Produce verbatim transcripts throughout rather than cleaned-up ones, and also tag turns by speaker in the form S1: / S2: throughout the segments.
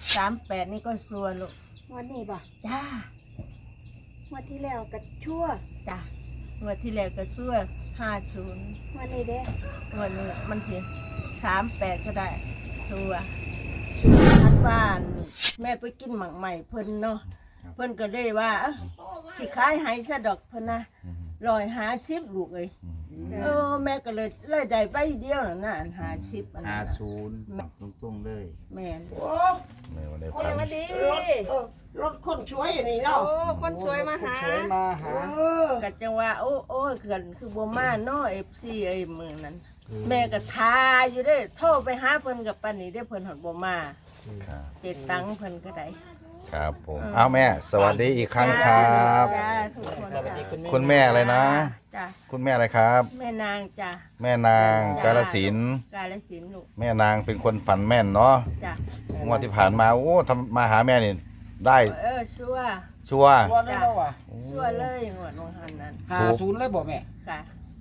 S1: สามแปดนี่ก็ชัวร์ลูก
S2: วันนี้บ่
S1: จ้า
S2: วันที่แล้วก็ชั่ว
S1: จ้างวดที่แล้วก็ชัวร์ห้าศูนย์
S2: วันนี้เด้
S1: งวดนี้มันเพียงสามแปดก็ได้ชัวร์
S2: ชั่ว
S1: ทัดบ้านแม่ไปกินหมักใหม่เพิ่นเนาะเพิ่นก็เลยว่าเอ้าสิขายให้ซะดอกเพิ่นนะร้อยห้าสิบลูกเอ้ยเออแม่ก็เลยเลยได้ใบเดียวน่ะนะอันห้าสิบอัน
S3: ห้า
S1: นั้น
S3: ศูนย์ตรงๆเลย
S1: แม่น
S4: ในวันนี้
S2: สวัสดี
S5: รถคนช่วยนี่เนาะ
S2: โอ้คนสวยมาหา
S5: สวยมาหา
S1: ก็จังว่าโอ้โอ้เกินคือบ่มาเนาะ เอฟ ซี ไอ้มื้อนั้นแม่ก็ทาอยู่เด้โทรไปหาเพิ่นกับปานนี้ได้เพิ่นฮอดบ่มา
S4: ครับ
S1: เจ็ดตังค์เพิ่นก็ได้
S4: ครับผมเอาแม่ สวัสดีอีกครั้งครับ
S1: จ้าทุกคนจ้า
S4: คุณแม่อะไรนะ
S1: จ้า
S4: คุณแม่อะไรครับ
S1: แม่นางจ้า
S4: แม่นางกาฬสินธุ์
S1: กาฬสินธุ์ลูก
S4: แม่นางเป็นคนฝันแม่นเนาะ
S1: จ้าง
S4: วดที่ผ่านมาโอ้ทำมาหาแม่นี่ได้
S1: เออชัวร์
S4: ชัวร์
S5: วันนี้เราอ่ะ
S1: ชัวร์เลยงวดวันหันนั้น
S5: หาศูนย์เลยบอกแม่
S1: ค่ะ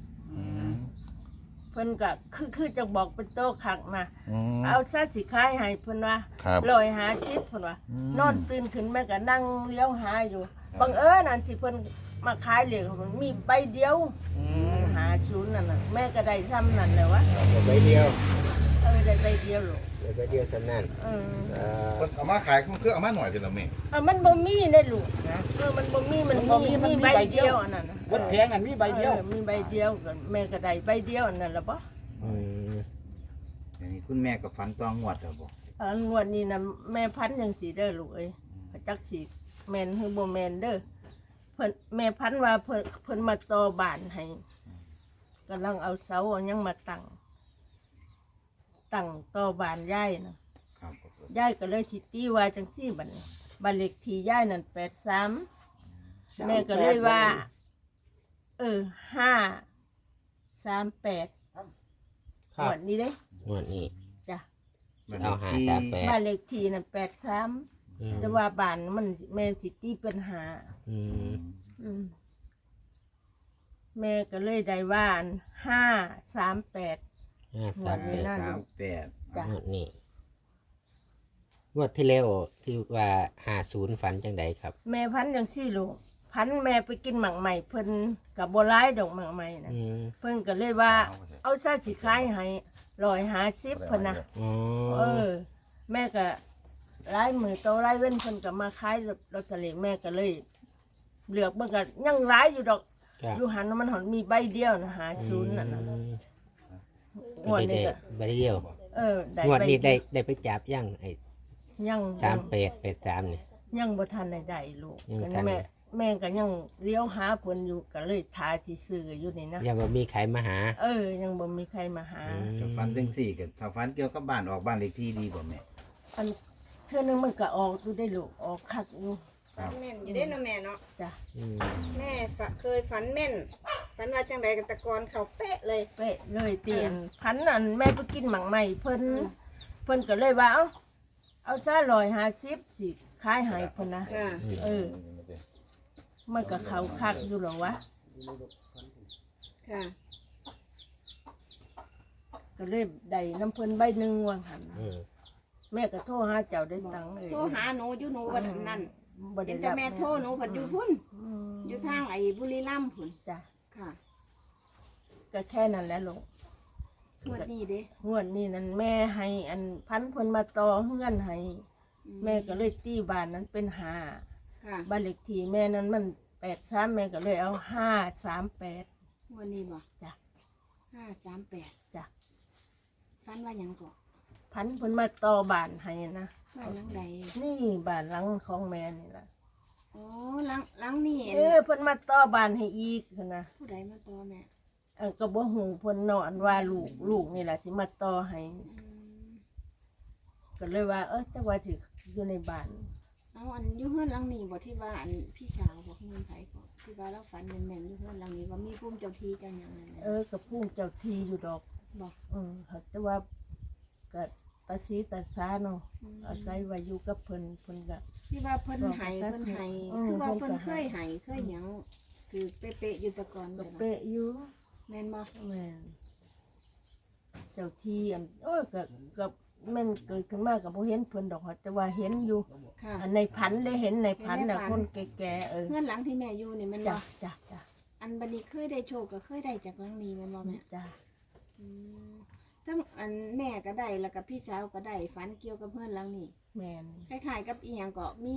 S1: เพิ่นก็คือคือจะบอกเป็นโต๊ะคักนะ
S4: อืม
S1: เอาซะสิขายให้เพิ่นว่า
S4: ครับ
S1: ลอยหาจิตเพิ่นว่า
S4: อืม
S1: นอนตื่นขึ้นแม่ก็นั่งเลี้ยวหาอยู่บังเอิญอันที่เพิ่นมาขายเหรียญมันมีใบเดียวหาศูนย์นั่นน่ะแม่ก็ได้ซ้ำนั่นแหละวะ
S5: ใบเดียว
S1: เออได้ใบเดียวหรอก
S5: ใบเดียวสนั่น
S1: เออ
S4: เอามาขายคือเอามาหน่อยเป็นเราแม่
S1: เออมันบ่มีได้ลูกเออมันบ่มีมันมีมีใบเดียวอันนั้นน่ะ
S5: วัดแพงอันมีใบเดียว
S1: ออมีใบเดียวก็แม่ก็ได้ใบเดียวอันนั้นล่ะบ่
S3: อย่างนี้คุณแม่กับฟันตองงวดแล้วบ่
S1: เอองวดนี้น่ะแม่พันธุ์จังสิเด้อลูกเอ้ยจักสิแม่นหรือบ่แม่นเด้อเพิ่นแม่พันธุ์ว่าเพิ่นเพิ่นมาต่อบ้านให้กำลังเอาเสาเอาหยังมาตั้งตั้งต่อบ้านยายน่ะ
S3: ครับ
S1: ยายก็เลยสิตีว่าจังซี่บัดนี้บ้านเลขที่ยายนั่นแปดสามแม่ก็เลยว่า เออห้าสามแปดหมดนี้เด้
S6: งวดนี้
S1: จ้ะ
S6: เอาหาสามแปด
S1: บ้านเลขที่นั่นแปดสาม
S6: อืม
S1: แต่ว่าบ้านมันแม่สิตีเป็นหา
S6: อืม
S1: อืมแม่ก็เลยได้ว่าห้าสามแปด
S6: ห้าสาม
S1: งวดนี้
S6: แปด
S1: น่า
S3: สามแปด
S1: จ้ะ
S6: งวดนี้งวดที่แล้วที่ว่าหาศูนย์ฝันจังใดครับ
S1: แม่พันจังซี่ลูกพันแม่ไปกินหมักใหม่เพิ่นกับโบรายดอกหมักใหม่นะ
S6: อืม
S1: เพิ่นก็เลยว่า เอาซะสิขายให้ร้อยห้าสิบเพิ่นนะ
S6: อ๋อ
S1: เออ แม่ก็ไล่มือโตไล่เว้นเพิ่นก็มาขายลอตเตอรี่แม่ก็เลยเหลือกเบิ่งก็ยังหลายอยู่ดอก
S6: ครับ
S1: อยู่หันมันหอนมีใบเดียวนะหาศูนย์นั่นน่ะ
S6: อืม
S1: งวด
S6: ได้
S1: นี้
S6: ได้
S1: ก็
S6: ใบเดียว
S1: เออได้
S6: งวด
S1: ใบ
S6: นี้
S1: เดี
S6: ได้
S1: ยว
S6: ได้ไปจับยังไอ้
S1: ยัง
S6: สามแปดแปดสามเนี่ย
S1: ยังบ่ทันได้ได้ลูก
S6: ยังบ่ทัน
S1: แม่แม่ก็ยังเลี้ยวหาเพิ่นอยู่ก็เลยทาที่ซื้ออยู่นี่นะ
S6: ยังบ่มีใครมาหา
S1: เออ ยังบ่มีใครมาหา
S6: อืม
S3: ถ้าฟันจังสี่กับถ้าฟันเกี่ยวกับบ้านออกบ้านเลขที่ดีบ่แม่
S1: อันเทื่อนึงมันก็ออกอยู่ได้ลูกออกคักอยู่
S3: ครับ
S2: แม่นอยู่ได้เนาะแม่เนาะ
S1: จ้ะ
S6: อืม
S2: แม่ฝเคยฝันแม่น ฝันว่าจังใดกันตะกอนเขาเป๊ะเลย
S1: เป๊ะเลยเตียนพันอันแม่ไปกินหมังใหม่เพิ่นเพิ่นก็เลยว่า เอาเอาซะร้อยห้าสิบสิขายให้เพิ่นนะ
S2: อ่า
S1: เออ มันก็เขาคักอยู่หรอวะ
S2: ค่ะ
S1: ก็เลยได้น้ำเพิ่นใบหนึ่งวางหัน
S6: อืม
S1: แม่ก็โทรหาเจ้าได้ตังค์เลย
S2: โทรหาหนูอยู่หนูวันนั้น
S1: บ่
S2: เห็
S1: ได้
S2: นแต่
S1: รับ
S2: แม่โทรหนูผัดอยู่พุ่น
S1: อืม
S2: อยู่ทางไอ้บุรีรัมย์พุ่น
S1: จ้ะ
S2: ค่ะ
S1: ก็แค่นั้นแหละลูก
S2: งวดนี้เด้
S1: งวดนี้นั่นแม่ให้อันพันเพิ่นมาต่อเฮือนให้
S2: อื
S1: แม่ก็เลยตีบ้านนั้นเป็นห้า
S2: ค่ะ
S1: บ้านเลขที่แม่นั้นมันแปดสามแม่ก็เลยเอาห้าสามแปด
S2: งวดนี้บ่
S1: จ้ะ
S2: ห้าสามแปด
S1: จ้ะ
S2: ฝันว่าหยังก่อ
S1: พันเพิ่นมาต่อบ้านให้นะ
S2: ว่าหลังใด
S1: นี่บ้านหลังของแม่นี่ล่ะ
S2: โอ้หลังหลังนี่
S1: เออเพิ่นมาต่อบ้านให้อีกนะ
S2: ผู้ใดมาต่อแม่
S1: เออก็บ่ฮู้เพิ่นนอนว่าลูกลูกนี่ล่ะสิมาต่อให้
S2: อืม
S1: ก็เลยว่า เออจักว่าสิอยู่ในบ้าน
S2: เอาอันอยู่เฮือนหลังนี้บ่ที่ว่าอันพี่สาวบอกเงินไผก่อนที่ว่าเราฝันแม่นๆอยู่เฮือนหลังนี้ว่ามีภูมิเจ้าที่เจ้าหยังนั่นแหละ
S1: เออก็พุ่งเจ้าที่อยู่ดอก
S2: บอก
S1: เออแต่ว่าก็ตาสีตาสาเนาะอาศัยว่าอยู่กับเพิ่นเพิ่นก็
S2: ที่ว่าเพิ่นให้เพิ่นให้
S1: อืม
S2: คือว่า
S1: เพิ่
S2: เพิ่
S1: น
S2: น
S1: ก็
S2: เค
S1: ให้
S2: ยให้เคยหยังคือเป๊ะๆอยู่แตะกอน
S1: ก็
S2: จ้ะเนาะ
S1: เป๊ะอยู่
S2: แม่นบ่
S1: แม่นเจ้าที่อันโอ้ยก็ก็แม่นเกิดขึ้นมากับบ่เห็นเพิ่นดอกแต่ว่าเห็นอยู่
S2: ค่ะ
S1: อันในพันได้เห็นในพันน่ะคนแก่ๆเออ
S2: เพื่อนหลังที่แม่อยู่นี่แมันบ่
S1: จ้ะจ้ะจ้ะ
S2: อันบัดนี้เคยได้โชคก็เคยได้จากหลังนี้แมันบ่แม่
S1: จ้ะ
S2: อืมทั้งอันแม่ก็ได้แล้วก็พี่สาวก็ได้ฝันเกี่ยวกับเพื่อนหลังนี้
S1: แม่น
S2: คล้ายๆกับอีหยังก็มี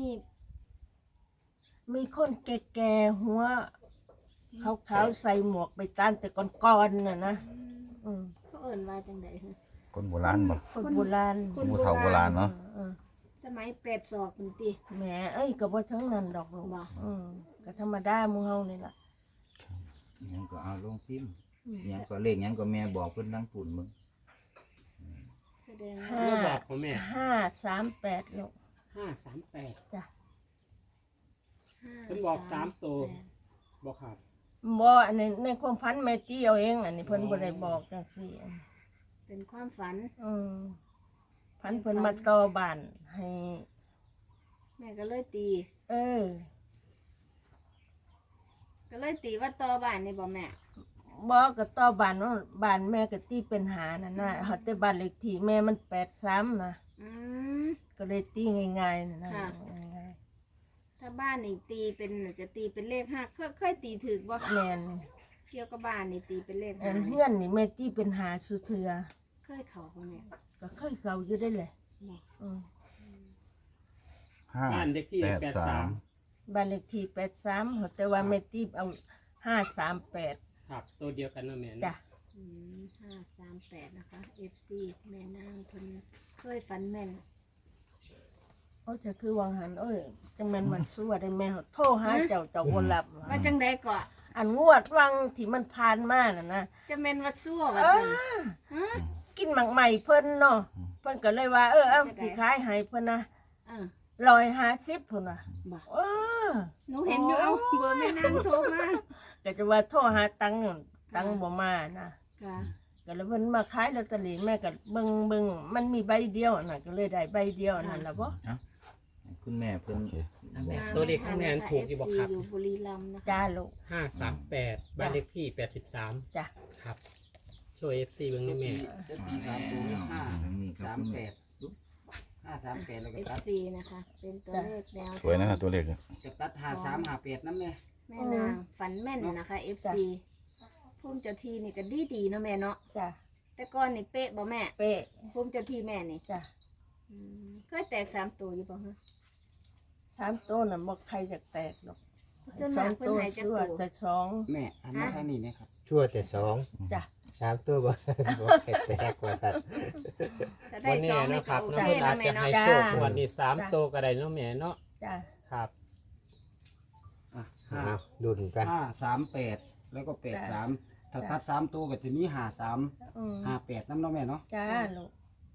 S1: มีคนแก่ๆหัวขาวๆใส่หมวกไปต้านแต่ก่อนๆน่ะนะอืม
S2: เขาเอิ้นว่าจังได๋ฮะ
S4: คนโบราณบ่
S1: คนโบราณ
S2: คน
S4: ผู้เฒ่าโบราณเนาะ
S1: เออ
S2: สมัยแปดศอกพุ่นติ
S1: แหมเอ้ยก็บ่ทั้งนั้นดอกลูก
S2: บ่
S1: อืมก็ธรรมดาหมู่เฮานี่ล่ะ
S3: หยังก็เอาลงพิมพ์หยังก็เลขหยังก็แม่บอกเพิ่นนั่งปุ่นมึง
S2: แสดง
S1: ห้า
S2: ว่า
S5: แล้วบอกพ่อแม่
S1: ห้าสามแปดลูก
S5: ห้าสามแปด
S1: จ้ะ
S5: เพิ่นบอกสามตัว บอกครับ
S1: บ่อันนี้ในความพันแม่ตี้เอาเอง อันนี้เพิ่นบ่ได้บอกจังซี่อัน
S2: เป็นความฝัน
S1: อืมพันเพิ่นมาต่อบ้านให้
S2: แม่ก็เลยตี
S1: เออ
S2: ก็เลยตีว่าต่อบ้านนี่บ่แม่
S1: บ่ก็ต่อบ้านว่าบ้านแม่ก็ตีเป็นหานั่นน่ะเฮาแต่บ้านเลขที่แม่มันแปดสามนะ
S2: อืม
S1: ก็เลยตีง่ายๆนั่นนะ
S2: ค่ะ
S1: ง่าย
S2: ถ้าบ้านนี่ตีเป็นจะตีเป็นเลขห้าเคยเคยตีถูกบ่
S1: ๆแม่น
S2: เกี่ยวกับบ้านนี่ตีเป็นเลข
S1: อั
S2: ห้าน
S1: เฮือนนี่แม่ตีเป็นหาสุเทือ
S2: เคยเข้าบ่แม่
S1: ก็เคยเก่าอยู่ได้เลย
S2: บ่
S1: อืม
S4: ห้า
S5: บ้านเด็กที่
S4: แป
S5: แป
S4: ด
S5: ด
S4: สา
S5: สาม ม
S1: บ้านเลขที่แปดสามแต่ว่าแม่ตีเอาห้าสามแปด
S5: ครับตัวเดียวกันเนาะแม่เนาะ
S1: จ้ะ
S2: อืมห้าสามแปดนะคะ เอฟ ซี แม่นางเพิ่นเคยฝันแม่น
S1: โอ้จะคือวังหันเอ้ยจังแม่นมันสู้ได้แม่โทรหาเจ้าเจ้าบ่รับ
S2: ว่าจังไดก็
S1: อันงวดวังที่มันผ่านมาน่ะนะ
S2: จะแม่นว่าซั่วว่า
S1: เอ
S2: ซั่น
S1: อ
S2: ฮะ
S1: กินหมักใหม่เพิ่นเนาะเพิ่นก็เลยว่าเออเอา
S2: จะได้
S1: สิขายให้เพิ่นนะ
S2: เออ
S1: ร้อยห้าสิบพุ่นน่ะ
S2: บ่
S1: เออ
S2: หนูเห็นอยู่เอาเบอร์แม่นางโทรมา
S1: ก็จะว่าโทรหาตังค์นั่นตังค์บ่มานะ
S2: ค่ะ
S1: ก็เลยเพิ่นมาขายลอตเตอรี่แม่ก็เบิ่งเบิ่งมันมีใบเดียวน่ะก็เลยได้ใบเดียวนั่นล่ะบ่
S3: คุณแม่เพิ่น
S5: แม่ตัวเลขของแม่นถูกอยู่บ่ครับ
S2: เอฟซีอยู่บุรีรัมย์นะคะ
S1: จ้าลูก
S5: ห้าสามแปดบ้านเลขที่แปดสิบสาม
S1: จ้ะ
S5: ครับ ช่วยเอฟซีเบิ่งนี่แม่
S7: จะตีสามศูนย์ห้า
S3: ทางนี้ครับ
S7: สาม
S3: คุณ
S7: แป
S3: แม่
S7: ดห้าสามแปดแล้วก็
S2: เอฟ
S7: ตัด
S2: ซีนะคะ เป็นตัวเลขแนว
S4: สวยนะตัวเลขอะ
S7: จะตัดห้าสามห้าแปดนั่นแม่
S2: แม่นางฝันแม่นนะคะ เอฟ ซี ภูมิเจ้าที่นี่ก็ดีดีๆเนาะแม่เนาะ
S1: จ้ะ
S2: แต่ก่อนนี่เป๊ะบ่แม่
S1: เป๊ะ
S2: ภูมิเจ้าที่แม่นี่
S1: จ้ะ
S2: อืมเคยแตกสามตัวอยู่บ่ฮะ
S1: สามตัวน่ะบ่ใครจะแตกหรอก
S2: จน
S1: ส
S2: มา
S1: อง
S2: เพิ่น
S1: ตัว
S2: ให้จัก
S1: ชั่ว
S2: ตัว
S1: แต่สอง
S7: แม่อันนี้ทางนี้นะครับ
S6: ชั่วแต่สอง
S1: จ้ะ
S6: สามตัวบ่ บ่ให้แตกว่าสัตว์
S2: ถ้าได้
S5: วัน
S2: ส
S5: นี้
S2: องนี่
S5: นะค
S2: ก็
S5: รับ
S2: โอ
S5: น้อง
S2: เค
S5: อา
S2: นะ
S5: จ
S2: แม่
S5: จะ
S2: เนาะ
S5: ให้โชควันนี้สามตัวก็ได้เนาะแม่เนาะ
S1: จ้ะ
S5: ครับ
S7: อ่ะห้า
S6: เอาดุนกัน
S7: ห้าสามแปดแล้วก็แปดสามถ้าตัดสามตัวก็จะมีห้าสาม
S1: อืม
S7: ห้าแปดน้ำเน้องแม่เนาะ
S1: จ้าลูก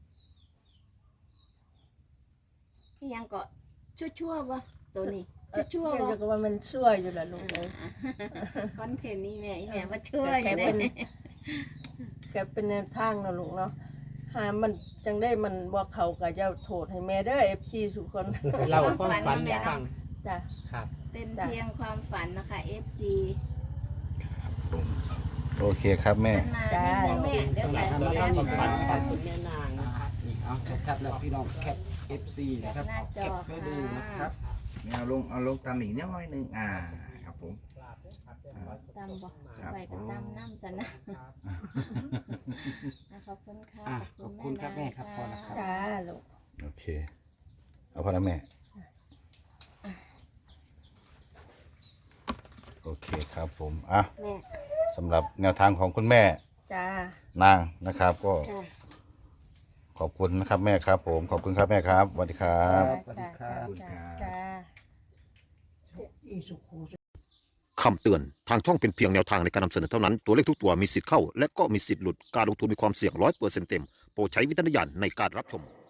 S2: นี่ยังก็ชั่วๆบ่ตัวนี้ชั่วๆ
S1: เดี๋
S2: บ่
S1: ยวก็ว่ามันช่วยอยู่ล่ะลูกเอ้ย
S2: คอนเทนต์นี่แม่อีแม่ว่าชั่วอ
S1: แก
S2: ยู่
S1: เป็น
S2: เด้
S1: แกเป็นแนวทางเนาะลูกเนาะหามันจังได้มันบ่เข้าก็จะโทษให้แม่เด้อ เอฟ ซี ทุกคน
S5: เราความฝันให้ฟัง
S1: จ้ะ
S5: ครับ
S2: เป็นเพียงความฝันนะคะ เอฟ ซี
S4: โอเคครับแม่
S2: มันมานิดนึงแม่เดี๋ยว
S5: สำห
S2: แบ
S5: รับบ ตัวเลข
S2: แป๊บ
S5: ความ
S2: นึ
S5: ฝัน
S2: ง
S5: ของคุณแม่นางนะครับ
S7: นี่เอาชัดๆแล้วพี่น้องแคป เอฟ ซี นะครับ
S2: หน้าจ
S7: แค
S2: อ
S7: ปไว้ดูนะครับ
S3: เอาลงเอาลงตามอีกนิดหน่อยหนึงอ่าครับผม
S2: ตามบอก
S3: ครับ
S2: ไปกับตามน้ำสนะขอบคุณค่ะ
S7: อ่ะขอบคุณครับแม่ครับพอแล้วครับ
S1: จ้าลูก
S4: โอเค เอาพอแล้วแม่ โอเคครับผม อ่ะ
S2: แม่
S4: สำหรับแนวทางของคุณแม่
S1: จ้า
S4: นางนะครับ ก็
S2: ค่ะ
S4: ขอบคุณนะครับแม่ครับ ผม ขอบคุณครับแม่ครับสวัสดีครับ
S7: สวัสดีครับ
S1: จ้าจ้า
S8: คำเตือน ทางช่องเป็นเพียงแนวทางในการนำเสนอเท่านั้น ตัวเลขทุกตัวมีสิทธิ์เข้า และก็มีสิทธิ์หลุด การลงทุนมีความเสี่ยงร้อยเปอร์เซ็นต์เต็ม โปรดใช้วิจารณญาณในการรับชม